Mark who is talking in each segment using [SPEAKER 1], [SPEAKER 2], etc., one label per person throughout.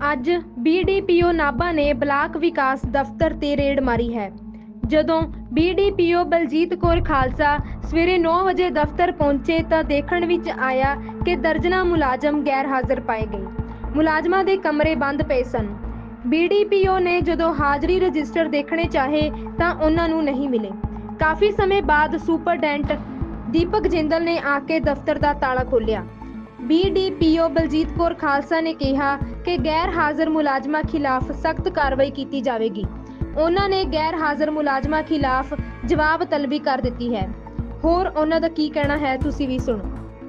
[SPEAKER 1] ਅੱਜ BDPO ਨਾਭਾ ਨੇ block ਵਿਕਾਸ ਦਫ਼ਤਰ ਤੇ ਰੇਡ ਮਾਰੀ ਹੈ। ਜਦੋਂ BDPO ਬਲਜੀਤ ਕੌਰ ਖਾਲਸਾ ਸਵੇਰੇ 9 ਵਜੇ ਦਫ਼ਤਰ ਪਹੁੰਚੇ ਤਾਂ ਦੇਖਣ ਵਿੱਚ ਆਇਆ ਕਿ ਦਰਜਨਾਂ ਮੁਲਾਜ਼ਮ ਗੈਰ ਹਾਜ਼ਰ ਪਾਏ ਗਏ। ਮੁਲਾਜ਼ਮਾਂ ਦੇ ਕਮਰੇ ਬੰਦ ਪਏ ਸਨ। BDPO ਨੇ ਜਦੋਂ ਹਾਜ਼ਰੀ ਰਜਿਸਟਰ ਦੇਖਣੇ ਚਾਹੇ ਤਾਂ ਉਹਨਾਂ ਨੂੰ ਨਹੀਂ ਮਿਲੇ। ਕਾਫੀ ਸਮੇਂ ਬਾਅਦ ਸੁਪਰਡੈਂਟ ਦੀਪਕ ਜਿੰਦਲ ਨੇ ਆ ਕੇ ਦਫ਼ਤਰ ਦਾ ਤਾਲਾ ਖੋਲ੍ਹਿਆ। BDPO ਬਲਜੀਤ ਕੌਰ ਖਾਲਸਾ ਨੇ ਕਿਹਾ ਕਿ ਗੈਰ ਹਾਜ਼ਰ ਮੁਲਾਜ਼ਮਾਂ ਖਿਲਾਫ ਸਖਤ ਕਾਰਵਾਈ ਕੀਤੀ ਜਾਵੇਗੀ। ਉਹਨਾਂ ਨੇ ਗੈਰ ਹਾਜ਼ਰ ਮੁਲਾਜ਼ਮਾਂ ਖਿਲਾਫ ਜਵਾਬ ਤਲਬੀ ਕਰ ਦਿੱਤੀ ਹੈ। ਹੋਰ ਉਹਨਾਂ ਦਾ ਕੀ ਕਹਿਣਾ ਹੈ ਤੁਸੀਂ ਵੀ ਸੁਣੋ।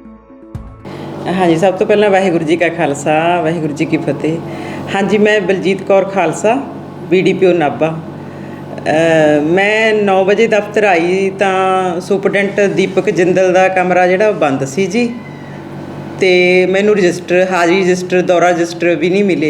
[SPEAKER 2] ਹਾਂਜੀ, ਸਭ ਤੋਂ ਪਹਿਲਾਂ ਵਾਹਿਗੁਰੂ ਜੀ ਕਾ ਖਾਲਸਾ ਵਾਹਿਗੁਰੂ ਜੀ ਕੀ ਫਤਿਹ। ਹਾਂਜੀ, ਮੈਂ ਬਲਜੀਤ ਕੌਰ ਖਾਲਸਾ BDPO ਨਾਭਾ। ਮੈਂ 9 ਵਜੇ ਦਫ਼ਤਰ ਆਈ ਤਾਂ ਸੁਪਰਡੈਂਟ ਦੀਪਕ ਜਿੰਦਲ ਦਾ ਕਮਰਾ ਜਿਹੜਾ ਬੰਦ ਸੀ ਜੀ, ਅਤੇ ਮੈਨੂੰ ਰਜਿਸਟਰ, ਹਾਜ਼ਰੀ ਰਜਿਸਟਰ, ਦੌਰਾ ਰਜਿਸਟਰ ਵੀ ਨਹੀਂ ਮਿਲੇ।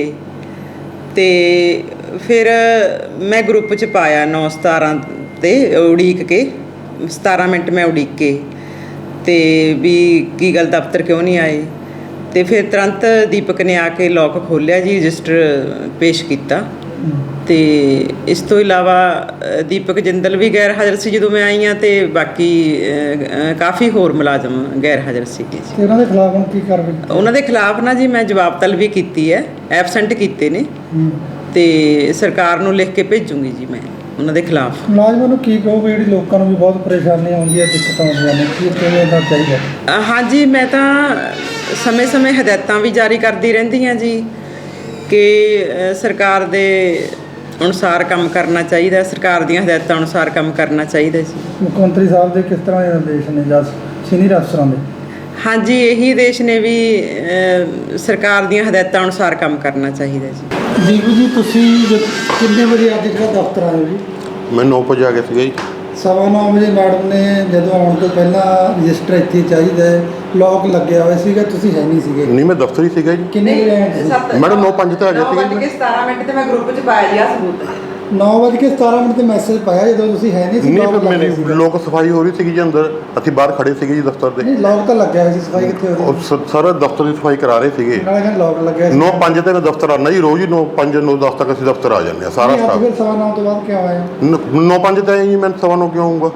[SPEAKER 2] ਅਤੇ ਫਿਰ ਮੈਂ ਗਰੁੱਪ 'ਚ ਪਾਇਆ 9/17 'ਤੇ ਉਡੀਕ ਕੇ 17 ਮਿੰਟ ਮੈਂ ਉਡੀਕ ਕੇ, ਅਤੇ ਵੀ ਕੀ ਗੱਲ ਦਫ਼ਤਰ ਕਿਉਂ ਨਹੀਂ ਆਏ। ਅਤੇ ਫਿਰ ਤੁਰੰਤ ਦੀਪਕ ਨੇ ਆ ਕੇ ਲੋਕ ਖੋਲ੍ਹਿਆ ਜੀ, ਰਜਿਸਟਰ ਪੇਸ਼ ਕੀਤਾ। ਅਤੇ ਇਸ ਤੋਂ ਇਲਾਵਾ ਦੀਪਕ ਜਿੰਦਲ ਵੀ ਗੈਰ ਹਾਜ਼ਰ ਸੀ ਜਦੋਂ ਮੈਂ ਆਈ ਹਾਂ, ਅਤੇ ਬਾਕੀ ਕਾਫੀ ਹੋਰ ਮੁਲਾਜ਼ਮ ਗੈਰ ਹਾਜ਼ਰ ਸੀਗੇ ਜੀ।
[SPEAKER 3] ਉਹਨਾਂ ਦੇ ਖਿਲਾਫ ਹੁਣ ਕੀ ਕਾਰਵਾਈ?
[SPEAKER 2] ਉਹਨਾਂ ਦੇ ਖਿਲਾਫ ਨਾ ਜੀ ਮੈਂ ਜਵਾਬ ਤਲਬੀ ਕੀਤੀ ਹੈ, ਐਬਸੈਂਟ ਕੀਤੇ ਨੇ, ਅਤੇ ਸਰਕਾਰ ਨੂੰ ਲਿਖ ਕੇ ਭੇਜੂੰਗੀ ਜੀ ਮੈਂ ਉਹਨਾਂ ਦੇ ਖਿਲਾਫ।
[SPEAKER 3] ਮੁਲਾਜ਼ਮਾਂ ਨੂੰ ਕੀ ਕਹੋਗੇ ਜਿਹੜੀ ਲੋਕਾਂ ਨੂੰ ਵੀ ਬਹੁਤ ਪਰੇਸ਼ਾਨੀ ਆਉਂਦੀ ਹੈ, ਦਿੱਕਤਾਂ ਆਉਂਦੀਆਂ ਨੇ, ਕੀ ਕਿਵੇਂ ਦਾ ਚਾਹੀਦਾ?
[SPEAKER 2] ਹਾਂਜੀ, ਮੈਂ ਤਾਂ ਸਮੇਂ-ਸਮੇਂ ਹਦਾਇਤਾਂ ਵੀ ਜਾਰੀ ਕਰਦੀ ਰਹਿੰਦੀ ਹਾਂ ਜੀ ਕਿ ਸਰਕਾਰ ਦੇ ਅਨੁਸਾਰ ਕੰਮ ਕਰਨਾ ਚਾਹੀਦਾ, ਸਰਕਾਰ ਦੀਆਂ ਹਦਾਇਤਾਂ ਅਨੁਸਾਰ ਕੰਮ ਕਰਨਾ ਚਾਹੀਦਾ ਜੀ।
[SPEAKER 3] ਮੁੱਖ ਮੰਤਰੀ ਸਾਹਿਬ ਦੇ ਕਿਸ ਤਰ੍ਹਾਂ ਦੇ ਨਿਰਦੇਸ਼ ਨੇ ਜਾਂ ਸੀਨੀਅਰ ਅਫਸਰਾਂ ਦੇ?
[SPEAKER 2] ਹਾਂਜੀ, ਇਹੀ ਆਦੇਸ਼ ਨੇ ਵੀ ਸਰਕਾਰ ਦੀਆਂ ਹਦਾਇਤਾਂ ਅਨੁਸਾਰ ਕੰਮ ਕਰਨਾ ਚਾਹੀਦਾ ਜੀ।
[SPEAKER 3] ਦੀਪੂ ਜੀ, ਤੁਸੀਂ ਕਿੰਨੇ ਵਜੇ ਅੱਜ ਜਿਹੜਾ ਦਫ਼ਤਰ ਆਏ ਹੋ ਜੀ?
[SPEAKER 4] ਮੈਂ 9 ਵਜੇ ਆ ਗਿਆ ਸੀਗਾ ਜੀ।
[SPEAKER 3] 9:15 ਵਜੇ ਮੈਡਮ ਨੇ ਜਦੋਂ ਆਉਣ ਤੋਂ ਪਹਿਲਾਂ ਰਜਿਸਟਰ ਇੱਥੇ ਚਾਹੀਦਾ ਹੈ, ਲੋਕ ਲੱਗਿਆ ਹੋਇਆ ਸੀਗਾ, ਤੁਸੀਂ ਹੈ ਨਹੀਂ ਸੀਗੇ?
[SPEAKER 4] ਨਹੀਂ, ਮੈਂ ਦਫ਼ਤਰ ਹੀ ਸੀਗਾ ਜੀ।
[SPEAKER 3] ਕਿੰਨੇ ਵਜੇ ਆਏ ਤੁਸੀਂ?
[SPEAKER 4] ਮੈਡਮ 9:05 ਤੇ ਆ ਗਿਆ ਸੀਗਾ।
[SPEAKER 2] 9:17 ਮਿੰਟ ਤੇ ਮੈਂ ਗਰੁੱਪ 'ਚ ਪਾਇਆ ਜੀ, ਆ ਸਬੂਤ।
[SPEAKER 3] 9:17 ਤੇ ਮੈਸੇਜ ਪਾਇਆ ਜਦੋਂ ਤੁਸੀਂ ਹੈ ਨਹੀਂ ਸੀ?
[SPEAKER 4] ਨਹੀਂ, ਫਿਰ ਮੇਰੀ ਲੋਕ ਸਫਾਈ ਹੋ ਰਹੀ ਸੀਗੀ ਜੀ ਅੰਦਰ, ਅਸੀਂ ਬਾਹਰ ਖੜੇ ਸੀਗੇ ਜੀ ਦਫ਼ਤਰ ਦੇ।
[SPEAKER 3] ਨਹੀਂ, ਲੋਕ ਤਾਂ ਲੱਗਿਆ ਹੋਇਆ ਸੀ, ਸਫਾਈ ਕਿੱਥੇ ਹੋ ਰਹੀ?
[SPEAKER 4] ਸਾਰਾ ਦਫ਼ਤਰ ਦੀ ਸਫਾਈ ਕਰਾ ਰਹੇ ਸੀਗੇ।
[SPEAKER 3] ਨਾਲੇ ਕਹਿੰਦੇ ਲੋਕ ਲੱਗਿਆ ਸੀ।
[SPEAKER 4] 9:05 ਤੇ ਮੈਂ ਦਫ਼ਤਰ ਆਉਂਦਾ ਜੀ ਰੋਜ਼ ਹੀ, 9:05 9:10 ਤੱਕ ਅਸੀਂ ਦਫ਼ਤਰ ਆ ਜਾਂਦੇ ਹਾਂ ਸਾਰਾ ਸਟਾਫ।
[SPEAKER 3] ਫਿਰ 9:15 ਤੋਂ ਬਾਅਦ ਕਿਉਂ ਆਇਆ?
[SPEAKER 4] 9:05 ਤੇ ਆਏ ਜੀ, ਮੈਂ 9:15 ਕਿਉਂ ਆਊਂਗਾ?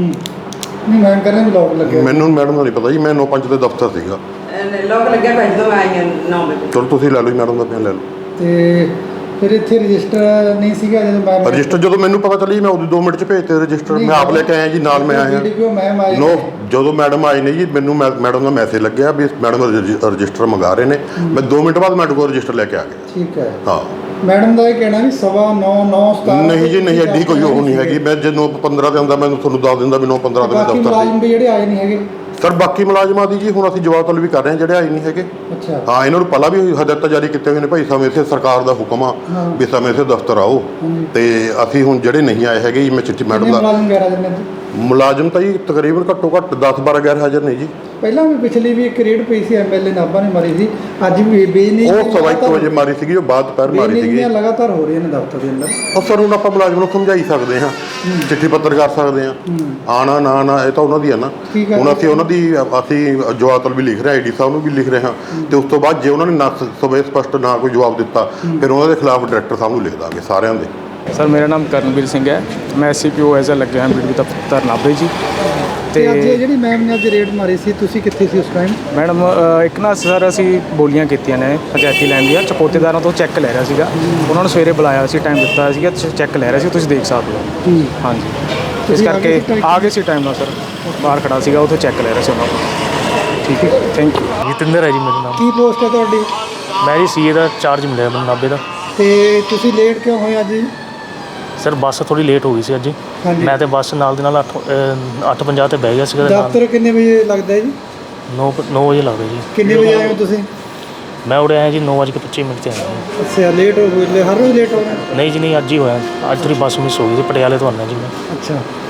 [SPEAKER 3] ਨਹੀਂ, ਮੈਂ ਕਹਿੰਦਾ ਵੀ ਲੋਕ ਲੱਗਿਆ।
[SPEAKER 4] ਮੈਨੂੰ ਮੈਡਮ ਦਾ ਨਹੀਂ ਪਤਾ ਜੀ, ਮੈਂ 9:05 ਤੇ ਦਫ਼ਤਰ ਸੀਗਾ।
[SPEAKER 2] ਲੋਕ ਲੱਗਿਆ ਭਾਈ ਜਦੋਂ ਆਈ ਹਾਂ 9 ਵਜੇ।
[SPEAKER 4] ਚਲੋ ਤੁਸੀਂ ਲੈ ਲਓ ਜੀ, ਮੈਡਮ ਦਾ ਬਿਆਨ ਲੈ ਲਓ।
[SPEAKER 3] ਤੇ ਫਿਰ ਇੱਥੇ ਰਜਿਸਟਰ ਨਹੀਂ ਸੀਗਾ ਜਦੋਂ ਮੈਂ
[SPEAKER 4] ਰਜਿਸਟਰ ਜਦੋਂ ਮੈਨੂੰ ਪਤਾ ਚੱਲੀ ਮੈਂ ਉਦੋਂ 2 ਮਿੰਟ 'ਚ ਭੇਜਤੇ ਰਜਿਸਟਰ। ਮੈਂ ਆਪ ਲੈ ਕੇ ਆਇਆ ਜੀ, ਨਾਲ ਮੈਂ ਆਇਆ। ਜਦੋਂ ਮੈਡਮ ਆਏ ਨੇ ਜੀ, ਮੈਨੂੰ ਮੈਡਮ ਦਾ ਮੈਸੇਜ ਲੱਗਿਆ ਵੀ ਮੈਡਮ ਰਜਿਸਟਰ ਮੰਗਾ ਰਹੇ ਨੇ। ਮੈਂ 2 ਮਿੰਟ ਬਾਅਦ ਮੈਡਮ ਕੋਲ ਰਜਿਸਟਰ ਲੈ ਕੇ ਆ ਗਿਆ।
[SPEAKER 3] ਠੀਕ ਹੈ।
[SPEAKER 4] ਹਾਂ,
[SPEAKER 3] ਮੈਡਮ ਦਾ ਇਹ ਕਹਿਣਾ ਵੀ 9:15 9:17
[SPEAKER 4] ਨਹੀਂ ਜੀ, ਨਹੀਂ, ਐਡੀ ਕੋਈ ਉਹ ਨਹੀਂ ਹੈਗੀ। ਮੈਂ ਜੇ 9:15 ਤੇ ਆਉਂਦਾ ਮੈਂ ਤੁਹਾਨੂੰ ਦੱਸ ਦਿੰਦਾ ਵੀ 9:15 ਤੇ ਮੈਂ
[SPEAKER 3] ਬਾਕੀ
[SPEAKER 4] ਦਫ਼ਤਰ
[SPEAKER 3] ਮੁਲਾਜ਼ਮ ਵੀ ਜਿਹੜੇ ਆਏ ਨਹੀਂ ਹੈਗੇ?
[SPEAKER 4] ਸਰ, ਬਾਕੀ ਮੁਲਾਜ਼ਮਾਂ ਦੀ ਜੀ ਹੁਣ ਅਸੀਂ ਜਵਾਬ ਤਲਬ ਵੀ ਕਰ ਰਹੇ ਹਾਂ ਜਿਹੜੇ ਆਏ ਨਹੀਂ ਹੈਗੇ।
[SPEAKER 3] ਅੱਛਾ।
[SPEAKER 4] ਹਾਂ, ਇਹਨਾਂ ਨੂੰ ਪਹਿਲਾਂ ਵੀ ਹਦਾਇਤਾਂ ਜਾਰੀ ਕੀਤੀਆਂ ਹੋਈਆਂ ਨੇ ਭਾਈ, ਸਮੇਂ ਸਿਰ ਸਰਕਾਰ ਦਾ ਹੁਕਮ ਆ ਵੀ ਸਮੇਂ ਸਿਰ ਦਫ਼ਤਰ ਆਓ। ਤੇ ਅਸੀਂ ਹੁਣ ਜਿਹੜੇ ਨਹੀਂ ਆਏ ਹੈਗੇ ਜੀ, ਮੈਂ ਚਿੱਠੀ ਮੈਡਮ ਦਾ ਮੁਲਾਜ਼ਮ ਤਾਂ ਜੀ ਤਕਰੀਬਨ ਘੱਟੋ ਘੱਟ 10-12 ਗੈਰ ਹਾਜ਼ਰ ਨੇ ਜੀ।
[SPEAKER 3] ਪਹਿਲਾਂ ਵੀ ਪਿਛਲੀ ਵੀ ਇੱਕ ਰੇਡ ਪਈ ਸੀ, MLA ਨਾਭਾ ਨੇ ਮਾਰੀ ਸੀ। ਅੱਜ ਵੀ ਬੇਨੀ
[SPEAKER 4] ਉਹ 1:15 ਵਜੇ ਮਾਰੀ ਸੀਗੀ, ਉਹ ਬਾਅਦ ਦੁਪਹਿਰ ਮਾਰੀ ਸੀਗੀ।
[SPEAKER 3] ਲਗਾਤਾਰ ਹੋ ਰਹੀਆਂ ਨੇ ਦਫ਼ਤਰ ਦੇ ਅੰਦਰ।
[SPEAKER 4] ਉਹ ਸਰ ਹੁਣ ਆਪਾਂ ਮੁਲਾਜ਼ਮ ਨੂੰ ਸਮਝਾਈ ਸਕਦੇ ਹਾਂ, ਚਿੱਠੀ ਪੱਤਰ ਕਰ ਸਕਦੇ ਹਾਂ। ਆਣਾ ਨਾ ਇਹ ਤਾਂ ਉਹਨਾਂ ਦੀ ਆ ਨਾ। ਹੁਣ ਅਸੀਂ ਉਹਨਾਂ ਦੀ ਜਵਾਬ ਤਲਬ ਵੀ ਲਿਖ ਰਹੇ, ID ਸਾਹਿਬ ਨੂੰ ਵੀ ਲਿਖ ਰਹੇ ਹਾਂ। ਤੇ ਉਸ ਤੋਂ ਬਾਅਦ ਜੇ ਉਹਨਾਂ ਨੇ ਸਪਸ਼ਟ ਨਾ ਕੋਈ ਜਵਾਬ ਦਿੱਤਾ, ਫਿਰ ਉਹਨਾਂ ਦੇ ਖਿਲਾਫ ਡਾਇਰੈਕਟਰ ਸਾਹਿਬ ਨੂੰ ਲਿਖ ਦਾਂਗੇ ਸਾਰਿਆਂ ਦੇ।
[SPEAKER 5] ਸਰ, ਮੇਰਾ ਨਾਮ ਕਰਨਵੀਰ ਸਿੰਘ ਹੈ, ਮੈਂ SCPO ਐਜ਼ ਲੱਗਿਆ ਹਾਂ BDPO ਦਫ਼ਤਰ ਨਾਭੇ ਜੀ।
[SPEAKER 3] ਤੇ ਅੱਜ ਜਿਹੜੀ ਮੈਮ ਨੇ ਅੱਜ ਰੇਡ ਮਾਰੀ ਸੀ, ਤੁਸੀਂ ਕਿੱਥੇ ਸੀ ਉਸ ਟਾਈਮ?
[SPEAKER 5] ਮੈਡਮ, ਇੱਕ ਨਾ ਸਰ ਅਸੀਂ ਬੋਲੀਆਂ ਕੀਤੀਆਂ ਨੇ ਪੰਚਾਇਤੀ ਲੈਣ ਦੀਆਂ, ਚਪੋਤੇਦਾਰਾਂ ਤੋਂ ਚੈੱਕ ਲੈ ਰਿਹਾ ਸੀਗਾ। ਉਹਨਾਂ ਨੂੰ ਸਵੇਰੇ ਬੁਲਾਇਆ ਸੀ, ਟਾਈਮ ਦਿੱਤਾ ਸੀਗਾ, ਚੈੱਕ ਲੈ ਰਿਹਾ ਸੀ, ਤੁਸੀਂ ਦੇਖ ਸਕਦੇ ਹੋ। ਹਾਂਜੀ, ਇਸ ਕਰਕੇ ਆ ਗਏ ਸੀ ਟਾਈਮ ਨਾਲ ਸਰ। ਬਾਹਰ ਖੜਾ ਸੀਗਾ, ਉੱਥੇ ਚੈੱਕ ਲੈ ਰਿਹਾ ਸੀ ਉਹਨਾਂ ਨੂੰ। ਠੀਕ ਹੈ, ਥੈਂਕ ਯੂ।
[SPEAKER 6] ਜਤਿੰਦਰ ਹੈ ਜੀ ਮੇਰਾ ਨਾਮ।
[SPEAKER 3] ਕੀ ਪੋਸਟ ਹੈ ਤੁਹਾਡੀ?
[SPEAKER 6] ਮੈਂ ਜੀ CA ਦਾ ਚਾਰਜ ਮਿਲਿਆ ਮੈਨੂੰ ਨਾਭੇ ਦਾ।
[SPEAKER 3] ਤੇ ਤੁਸੀਂ ਲੇਟ ਕਿਉਂ ਹੋਏ ਅੱਜ?
[SPEAKER 6] ਸਰ, ਬੱਸ ਥੋੜੀ ਲੇਟ ਹੋ ਗਈ ਸੀ ਅੱਜ। ਮੈਂ ਤੇ ਬੱਸ ਨਾਲ ਦੇ ਨਾਲ 8:50 ਤੇ ਬਹਿ ਗਿਆ ਸੀਗਾ।
[SPEAKER 3] ਦਫ਼ਤਰ ਕਿੰਨੇ ਵਜੇ ਲੱਗਦਾ ਜੀ?
[SPEAKER 6] 9 ਵਜੇ ਲੱਗਦਾ ਜੀ।
[SPEAKER 3] ਕਿੰਨੇ ਵਜੇ ਆਏ ਹੋ ਤੁਸੀਂ?
[SPEAKER 6] ਮੈਂ ਉਰੇ ਆਇਆ ਜੀ 9:25 ਤੇ ਆਇਆ।
[SPEAKER 3] ਅੱਛਾ, ਲੇਟ ਹੋ ਗਏ? ਹਰ ਰੋਜ਼ ਲੇਟ ਹੋ ਗਏ?
[SPEAKER 6] ਨਹੀਂ ਜੀ, ਨਹੀਂ, ਅੱਜ ਹੀ ਹੋਇਆ। ਅੱਜ ਥੋੜੀ ਬੱਸ ਮਿਸ ਹੋ ਗਈ ਸੀ, ਪਟਿਆਲੇ ਤੋਂ ਆਉਣਾ ਜੀ ਮੈਂ।
[SPEAKER 3] ਅੱਛਾ,